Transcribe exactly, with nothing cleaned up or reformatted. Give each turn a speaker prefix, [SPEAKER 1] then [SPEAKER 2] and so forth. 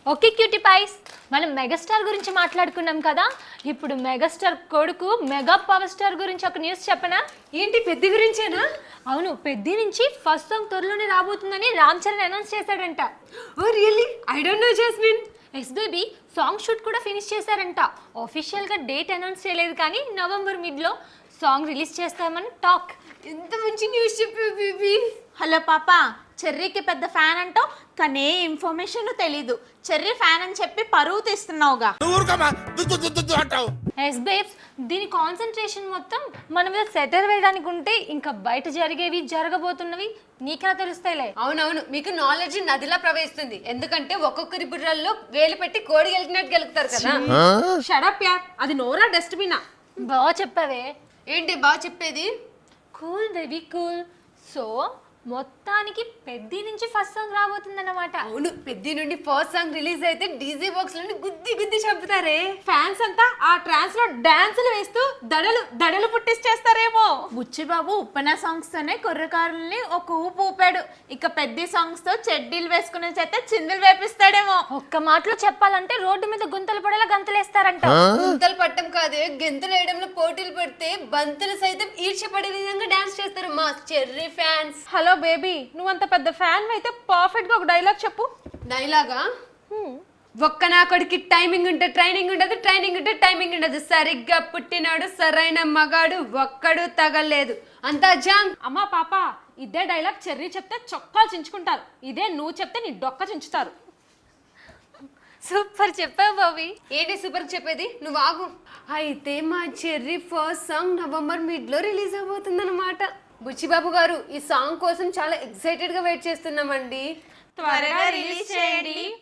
[SPEAKER 1] Okay cutie pies, మనం megastar గురించి మాట్లాడుకున్నాం కదా. ఇప్పుడు మెగాస్టార్ కొడుకు మెగా పవర్ స్టార్ గురించి ఒక న్యూస్ చెప్పనా?
[SPEAKER 2] ఏంటి, పెద్ద గురించేనా?
[SPEAKER 1] అవును, పెద్ది నుంచి ఫస్ట్ సాంగ్ త్వరలోనే రాబోతుందని రామ్ చరణ్ అనౌన్స్ చేశాడంట.
[SPEAKER 2] Oh really? I don't know Jasmine.
[SPEAKER 1] Yes baby, song shoot కూడా ఫినిష్ చేశారంట. ఆఫీషియల్గా డేట్ అనౌన్స్ చేయలేదు కానీ నవంబర్ మిడ్లో సాంగ్ రిలీజ్ చేస్తామని టాక్.
[SPEAKER 2] ఎంత మంచి న్యూస్ చెప్పావు బేబీ.
[SPEAKER 3] హలో పాప, చెర్రీకి పెద్ద ఫ్యాన్ అంటావు కానీ ఏ ఇన్ఫర్మేషన్ తెలీదు. చెర్రీ ఫ్యాన్ అని చెప్పి పరువు తీస్తున్నావుగా.
[SPEAKER 1] ఎస్ బేబ్స్, దీని కాన్సన్ట్రేషన్ మొత్తం మన మీద సెటర్ వేయడానికి ఉంటే ఇంకా బయట జరిగేవి జరగబోతున్నవి నీకెలా తెలుస్తాయిలే.
[SPEAKER 2] అవునవును, మీకు నాలెడ్జ్ నదిలా ప్రవహిస్తుంది. ఎందుకంటే ఒక్కొక్కరి బుర్రల్లో వేలు పెట్టి కోడి గెలికినట్టు గెలుకుతారు కదా.
[SPEAKER 3] షడప్ యార్, అది నోరా డస్ట్బినా.
[SPEAKER 1] బాగా చెప్పావే.
[SPEAKER 2] ఏంటి బాగా చెప్పేది?
[SPEAKER 1] Cool baby cool. సో మొత్తానికి పెద్ది నుంచి ఫస్ట్ సాంగ్ రాబోతుందన్నమాట.
[SPEAKER 2] అవును, పెద్ద నుండి ఫస్ట్ సాంగ్ రిలీజ్ అయితే డీజే బాక్స్ నుండి గుద్ది గుద్ది చంపుతారే.
[SPEAKER 3] ఫ్యాన్స్ అంతా ఆ ట్రాన్స్ లో డాన్సులు వేస్తూ దడలు దడలు పుట్టించేస్తారేమో. బుచ్చిబాబు ఉప్పన సాంగ్స్ తోనే కుర్రకారుల్ని ఒక ఊపు ఊపాడు. ఇక పెద్ద సాంగ్స్ తో చెడ్డీలు వేసుకునే చేత చిందులు వేపిస్తాడేమో.
[SPEAKER 1] ఒక్క మాటలో చెప్పాలంటే రోడ్డు మీద గుంతలు పడేలా గంతలేస్తారంట.
[SPEAKER 2] గుంతలు పట్టం కాదే, గెంతులు వేయడంలో పోటీలు పెడితే బంతులు సైతం ఈర్ష్యపడే విధంగా డాన్స్ చేస్తారు మా చెర్రీ ఫ్యాన్స్.
[SPEAKER 3] హలో బేబీ, నువ్వంత పెద్ద ఫ్యాన్ అయితే పర్ఫెక్ట్ గా ఒక డైలాగ్ చెప్పు.
[SPEAKER 2] డైలాగా? ఒక్క నా కొడుకి టైమింగ్ ఉంటే ట్రైనింగ్ ఉండదు, ట్రైనింగ్ ఉంటే టైమింగ్ ఉండదు. సరిగ్గా పుట్టినాడు సరైన మగాడు ఒక్కడు తగలేదు, అంతా జాంగ్.
[SPEAKER 3] అమ్మా పాప, ఇదే డైలాగ్ చెర్రీ చెప్తే చొక్కాలు చించుకుంటారు. ఇదే నువ్వు చెప్తే నీ డొక్క చించుతారు.
[SPEAKER 1] సూపర్ చెప్పావు బాబీ.
[SPEAKER 2] ఏంటి సూపర్ చెప్పేది? నువ్వు ఆగు. అయితే మా Cherry first song November mid లో రిలీజ్ అవబోతుంది అనమాట. బుచ్చిబాబు గారు, ఈ సాంగ్ కోసం చాలా ఎక్సైటెడ్ గా వెయిట్ చేస్తున్నామండి.
[SPEAKER 3] త్వరగా రిలీజ్ చేయండి